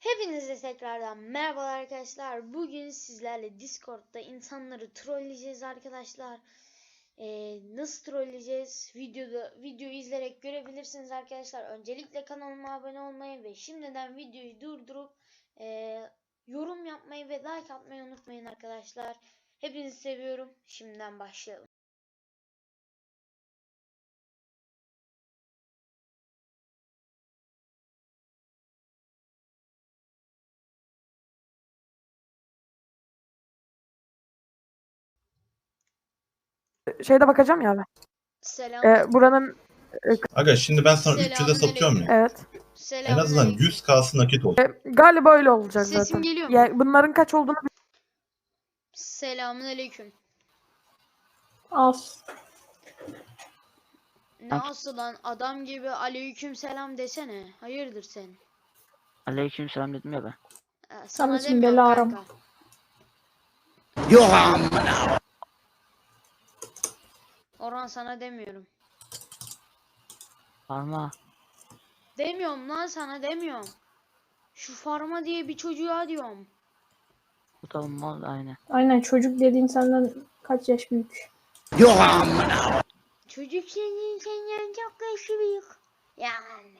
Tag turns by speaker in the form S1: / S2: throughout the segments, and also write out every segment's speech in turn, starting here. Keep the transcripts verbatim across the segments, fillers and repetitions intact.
S1: Hepinize tekrardan merhabalar arkadaşlar. Bugün sizlerle Discord'da insanları trolleyeceğiz arkadaşlar. Ee, nasıl trolleyeceğiz? Videoda videoyu izleyerek görebilirsiniz arkadaşlar. Öncelikle kanalıma abone olmayı ve şimdiden videoyu durdurup e, yorum yapmayı ve like atmayı unutmayın arkadaşlar. Hepinizi seviyorum. Şimdiden başlayalım.
S2: Şeyde bakacağım ya abi.
S1: Selam.
S2: Ee, buranın
S3: Aga şimdi ben sana üç yüze
S1: Selamünaleyküm.
S3: satıyorum ya.
S2: evet.
S3: En azından yüz K'sı nakit olsun.
S2: Ee, galiba öyle olacak
S1: Sesim
S2: zaten.
S1: geliyor mu?
S2: Ya bunların kaç olduğunu
S1: Selamünaleyküm.
S4: Az.
S1: Nasıl lan adam gibi aleyküm selam desene. Hayırdır sen?
S5: Aleykümselam dedim ya ben.
S1: Ee, sana
S4: Samet'im
S1: demiyorum
S4: bela aram.
S1: kanka.
S3: Yok amına.
S1: Orhan sana demiyorum.
S5: Parma.
S1: Demiyorum lan sana demiyorum. Şu Farma diye bir çocuğa diyorum.
S5: Bu tabi mal aynı.
S4: Aynen, çocuk dediğin senden kaç yaş büyük?
S3: Yok amına.
S1: Çocuk senin senden çok yaşı büyük. Yani.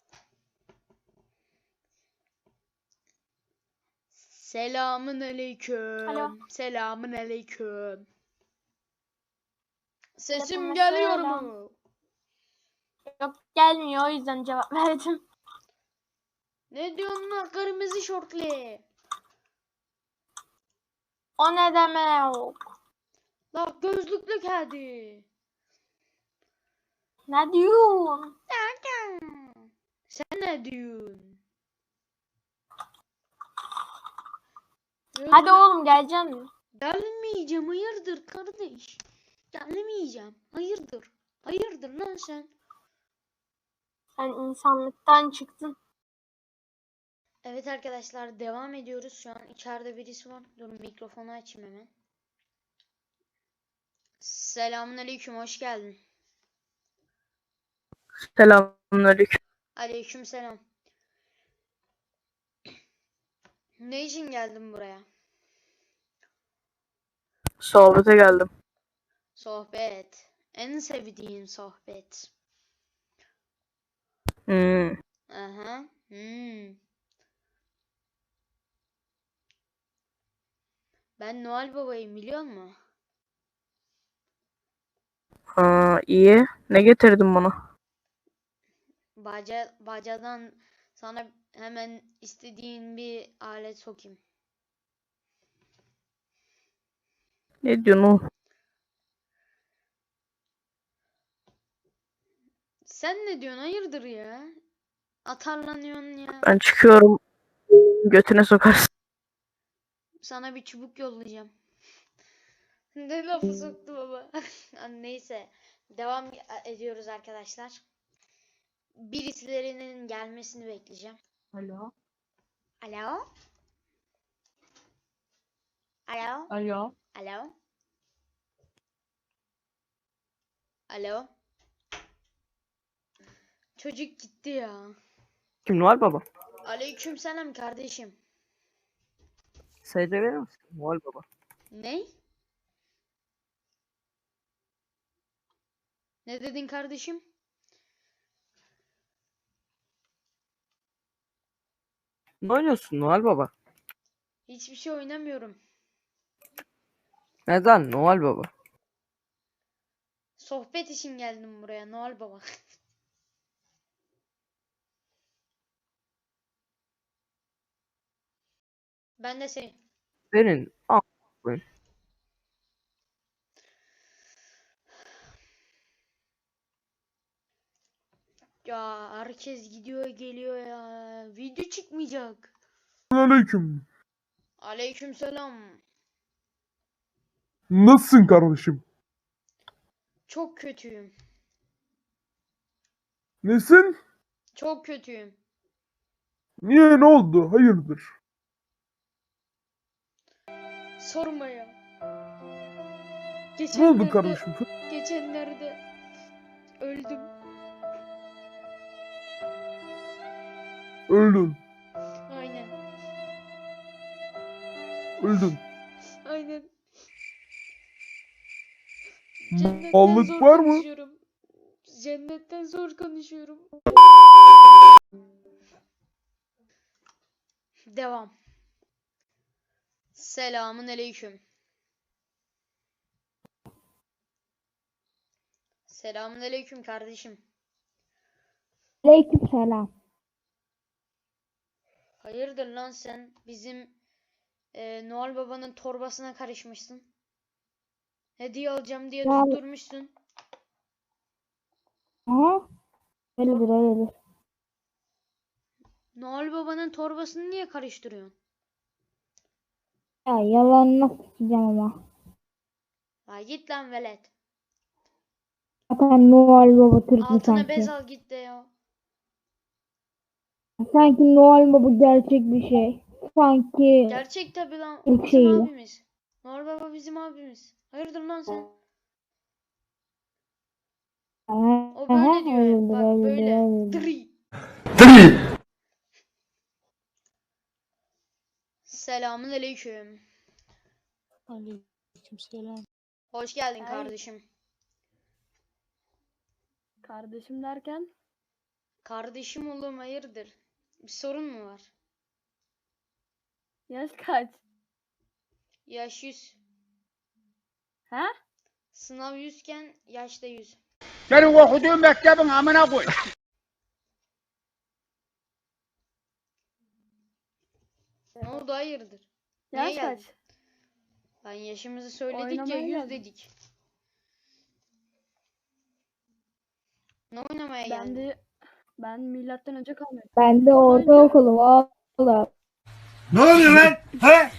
S1: Selamın aleyküm.
S4: Alo.
S1: Selamın aleyküm. Sesim
S4: Selam,
S1: geliyor
S4: selam.
S1: mu?
S4: Yok, gelmiyor, o yüzden cevap verdim.
S1: Ne diyorsun lan kırmızı şortlu?
S4: O ne demek?
S1: La gözlüklü kedi.
S4: Ne diyorsun?
S1: Sen ne diyorsun?
S4: Hadi oğlum, geleceksin.
S1: Gelmeyeceğim, hayırdır kardeş? Gelmeyeceğim, hayırdır? Hayırdır lan sen?
S4: Sen insanlıktan çıktın.
S1: Evet arkadaşlar devam ediyoruz. Şu an içeride birisi var. Durun mikrofonu açayım hemen. Selamünaleyküm, hoş geldin.
S2: selamünaleyküm.
S1: Aleykümselam. Ne için geldin buraya?
S2: Sohbete geldim.
S1: Sohbet. En sevdiğim sohbet.
S2: Hmm.
S1: Aha. Hmm. Ben Noel Baba'yım biliyor musun?
S2: Aa, iyi. Ne getirdin bana?
S1: Baca, bacadan sana hemen istediğin bir alet sokayım.
S2: Ne diyorsun oğlum?
S1: Sen ne diyorsun? Hayırdır ya? Atarlanıyorsun ya.
S2: Ben çıkıyorum. Götüne sokarsın.
S1: Sana bir çubuk yollayacağım. Ne lafı soktu baba. Neyse. Devam ediyoruz arkadaşlar. Birisilerinin gelmesini bekleyeceğim.
S6: Alo.
S1: Alo? Alo?
S6: Alo.
S1: Alo? Alo? Çocuk gitti ya.
S2: Kim Noel Baba?
S1: Aleykümselam kardeşim.
S2: S C verir misin? Noel Baba.
S1: Ne? Ne dedin kardeşim?
S2: Ne oynuyorsun Noel Baba?
S1: Hiçbir şey oynamıyorum.
S2: Neden Noel Baba?
S1: Sohbet için geldim buraya Noel Baba. Ben de seni.
S2: Senin. Aa,
S1: Ya herkes gidiyor geliyor ya. Video çıkmayacak.
S7: Aleyküm.
S1: Aleykümselam.
S7: Nasılsın kardeşim?
S1: Çok kötüyüm.
S7: Nesin?
S1: Çok kötüyüm.
S7: Niye, ne oldu? Hayırdır?
S1: Sorma ya.
S7: Ne oldu
S1: Geçenlerde,
S7: kardeşim?
S1: geçenlerde öldüm.
S7: Öldün.
S1: Aynen.
S7: Öldün.
S1: Aynen.
S7: M-
S1: Cennetten
S7: Mallık
S1: zor
S7: var mı?
S1: konuşuyorum. Cennetten zor konuşuyorum. Devam. Selamun aleyküm. Selamun aleyküm kardeşim.
S4: Aleykümselam.
S1: Hayırdır lan sen bizim e, Noel Baba'nın torbasına karışmışsın. Hediye alacağım diye
S4: Ya-
S1: tutturmuşsun.
S4: Aha. Öyledir öyledir.
S1: Noel Baba'nın torbasını niye karıştırıyorsun?
S4: Ya yalanına sikeceğim ama.
S1: Ha git lan velet.
S4: Zaten Noel Baba Türk mü
S1: Altına bez
S4: sanki?
S1: al git de ya.
S4: Sanki Noel Baba gerçek bir şey. Sanki
S1: Gerçek tabi lan.
S4: İlk
S1: O bizim
S4: şeyi.
S1: abimiz. Noel Baba bizim abimiz. Hayırdır lan sen?
S4: Aha,
S1: O böyle diyor.
S4: öyledir,
S1: Bak
S4: öyledir,
S1: böyle.
S4: öyledir.
S1: Dri. Selamun aleyküm.
S6: Aleykümselam.
S1: Hoş geldin
S6: Ay.
S1: kardeşim.
S6: Kardeşim derken
S1: Kardeşim oğlum hayırdır? Bir sorun mu var?
S6: yaş kaç?
S1: Yaş yüz.
S6: Ha?
S1: Sınav yüzken yaşta yüz.
S3: Senin okuduğun mektebin amına koy.
S1: Ne oldu hayırdır? Niye
S6: Yaş
S1: geldin?
S6: kaç?
S1: Lan yaşımızı söyledik
S6: Oynamaya
S1: ya yüz
S6: geldim.
S1: dedik. Ne oynamaya
S6: Ben
S1: geldin?
S6: de ben milattan önce kalmıyorum.
S4: Ben de ortaokulum oğlum.
S3: Ne oluyor lan? He?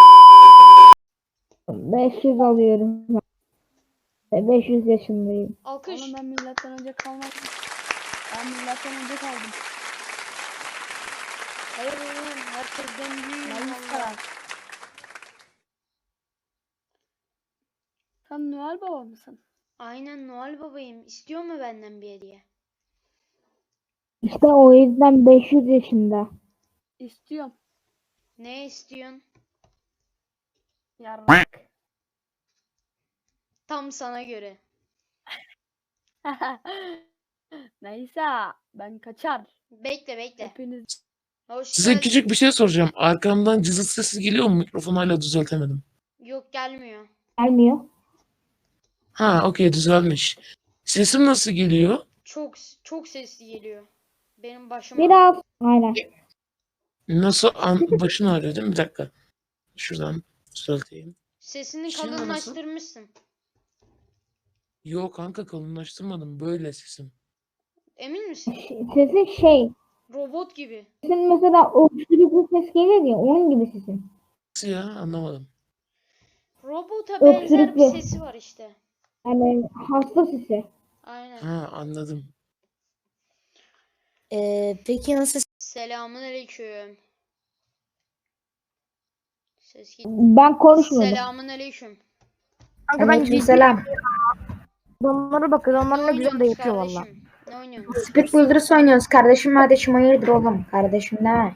S4: beş yüz alıyorum. Ve beş yüz yaşındayım.
S1: Alkış.
S6: Oğlum ben milattan önce kalmadım. Ben milattan önce kaldım.
S1: Hayır oğlum herkesten büyüğüm
S6: Ben
S1: valla.
S6: karar. Sen Noel Baba mısın?
S1: Aynen Noel babayım. İstiyor mu benden bir hediye?
S4: İşte o yüzden beş yüz yaşında.
S6: İstiyorum.
S1: Ne istiyorsun?
S6: Yarrak.
S1: Tam sana göre.
S6: Neyse ben kaçar.
S1: Bekle bekle.
S6: Hepiniz
S1: Hoş
S8: Size
S1: geldin.
S8: küçük bir şey soracağım. Arkamdan cızıt sesi geliyor mu? Mikrofonu hala düzeltemedim.
S1: Yok gelmiyor.
S4: Gelmiyor.
S8: Ha, okey, düzelmiş. Sesim nasıl geliyor?
S1: Çok çok sesli geliyor. Benim başım
S4: Biraz. Aynen.
S8: Nasıl an başın ağrıyor değil mi? Bir dakika. Şuradan düzelteyim.
S1: Sesini
S8: Şimdi nasıl?
S1: kalınlaştırmışsın.
S8: Yok kanka, kalınlaştırmadım. Böyle sesim.
S1: Emin misin?
S4: Sesin şey.
S1: Robot gibi.
S4: Sesin mesela öksürük ses gelir ya onun gibi sesin.
S8: Nasıl ya? Anlamadım.
S1: Robota benzer bir
S4: Öksürükle.
S1: sesi var işte.
S4: Yani hasta sesi.
S1: Aynen.
S8: Ha, anladım.
S9: Ee, peki nasıl?
S1: Selamun aleyküm. Ses git.
S4: Ben konuşmadım.
S1: Selamun aleyküm.
S9: Aleykümselam.
S10: Adamlara bak adamlar
S1: Ne
S10: ne güzel de
S1: oynuyorsunuz
S10: yapıyor valla.
S1: kardeşim? Ne oynuyorsunuz?
S9: Speed Builders oynuyoruz kardeşim kardeşim hayırdır oğlum kardeşim ne?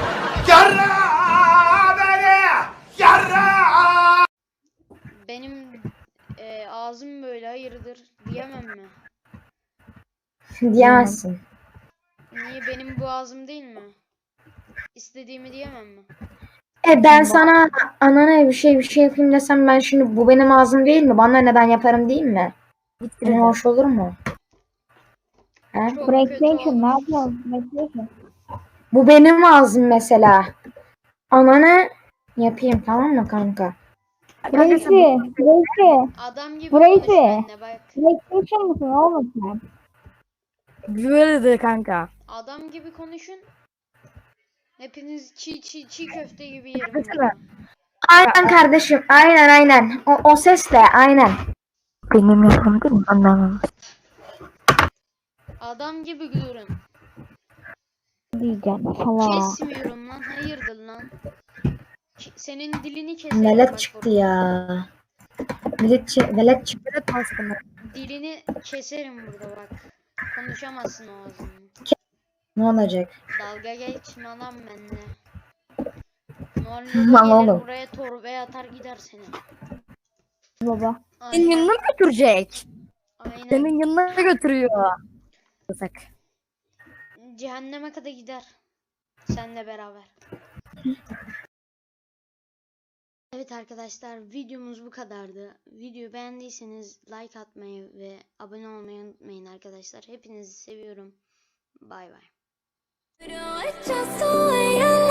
S1: Benim e, ağzım böyle hayırdır diyemem mi?
S9: Diyemezsin.
S1: Niye benim bu ağzım değil mi? İstediğimi diyemem mi?
S9: E ben sana anana bir şey bir şey yapayım desem ben şimdi bu benim ağzım değil mi? Bana neden yaparım değil mi? Ne hoş olur mu? He?
S1: Çok kötü
S4: PlayStation ne
S1: olmuş.
S4: yapıyorsun? PlayStation.
S9: Bu benim ağzım mesela. Anana yapayım tamam mı kanka?
S4: Reisi. Reisi.
S1: Adam gibi
S4: Burayı
S1: konuş
S4: ki.
S1: benimle bak.
S4: PlayStation mısın oğlum sen?
S10: Böyle de kanka.
S1: Adam gibi konuşun. Hepiniz çiğ çiğ çiğ köfte gibi yerim
S10: Desene.
S1: burada.
S9: Aynen kardeşim aynen aynen. O, o sesle aynen.
S10: Benim yapım değil mi? Anlamam.
S1: Adam gibi durun.
S4: Diyeceğim falan.
S1: Kesmiyorum lan. Hayırdır lan. Ki- Senin dilini keserim
S9: Velet
S1: bak
S9: çıktı
S1: burada.
S9: ya. Velet, çı- velet çıktı.
S10: Evet aslında.
S1: Dilini keserim burada bak. Konuşamazsın o ağzını.
S9: Ne olacak?
S1: Dalga geçme lan benimle. Noel
S9: Lan
S1: Baba gelir
S9: oğlum.
S1: buraya torbaya atar gider seni.
S4: Baba.
S10: Senin
S1: Aynen.
S10: yanına mı götürecek?
S1: Aynen.
S10: Senin yanına götürüyor. Yasak.
S1: Cehenneme kadar gider. Seninle beraber. Evet arkadaşlar, videomuz bu kadardı. Videoyu beğendiyseniz like atmayı ve abone olmayı unutmayın arkadaşlar. Hepinizi seviyorum. Bay bay.
S11: Just the way I